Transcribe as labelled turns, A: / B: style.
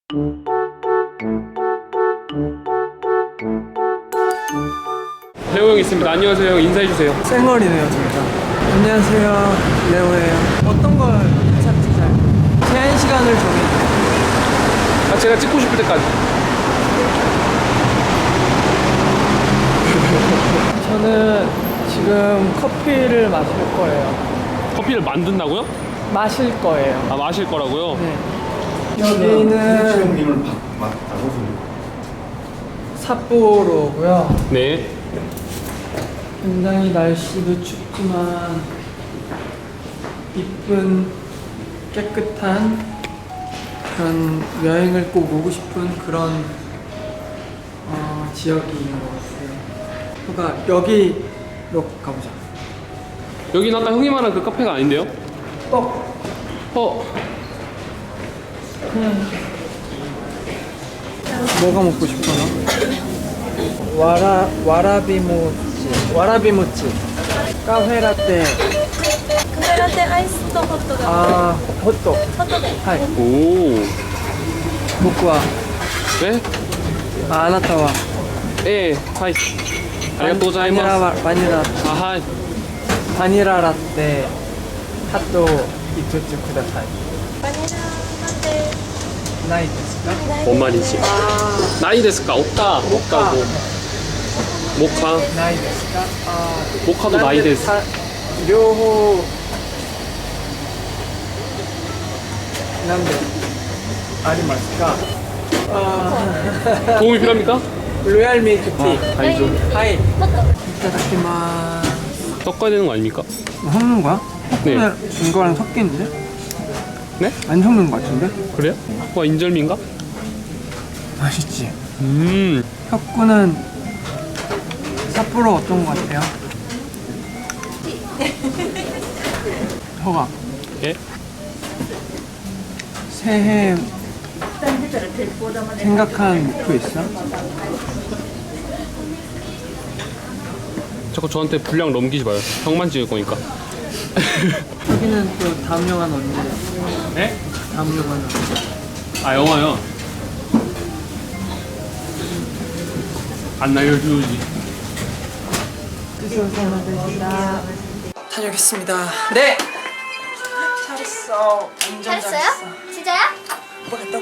A: 레오 형 있습니다. 안녕하세요 형, 인사해주세요.
B: 쌩얼이네요 진짜. 안녕하세요, 레오예요. 어떤 걸 인사드릴까요? 제한 시간을 정해주세요.
A: 아, 제가 찍고 싶을 때까지.
B: 저는 지금 커피를 마실 거예요.
A: 커피를 만든다고요?
B: 마실 거예요.
A: 아, 마실 거라고요?
B: 네. 여기는
C: 형님을 맞다고
B: 삿포로고요.
A: 네.
B: 굉장히 날씨도 춥지만 이쁜 깨끗한 그런 여행을 꼭 오고 싶은 그런 지역인 것 같아요. 그러니까 여기로 가보자.
A: 여기는 아까 형이 말한 그 카페가 아닌데요?
B: 그냥 뭐가 먹고 싶어 너? 와라비모찌 카페라떼
D: カフェラテアイスとホットが
B: 아 호떡
D: ホットで
B: 하이
A: 오.
B: 僕は
A: 네?
B: 아, あなたは
A: 예, 하이. 아리가또 고자이마스.
B: 바닐라
A: 아, 하이.
B: 바닐라 라떼 핫도 이토츠 쿠다사이
D: バニララテ
B: 나이ですか?
A: 뭔 말이지? 나이 데스까? 없다. 없다고. 모카.
B: 나이 ですか?
A: 모카도 나이 데스.
B: 両方なんでありますか?
A: 도움이 필요합니까?
B: 로얄 밀크티
A: 알죠.
B: 하이 이타다키마스
A: 섞어야 되는 거 아닙니까?
B: 섞는 거야?
A: 네.
B: 이거랑 섞이는데?
A: 네?
B: 안 섞는 거 같은데?
A: 그래요? 와, 인절미인가?
B: 맛있지?
A: 음.
B: 혁구는 삿포로 어떤 거 같아요? 허가
A: 예?
B: 새해 생각한 목표 있어?
A: 자꾸 저한테 분량 넘기지 마요. 형만 찍을 거니까.
B: 여기는 또 다음 영화는 언제?
A: 네?
B: 다음 영화는 언제?
A: 아, 영화요? 안 날려주지.
B: 다녀오겠습니다. 네! 잘했어. 완전
D: 잘했어요?
B: 잘했어.
D: 진짜야?
B: 오빠 갔다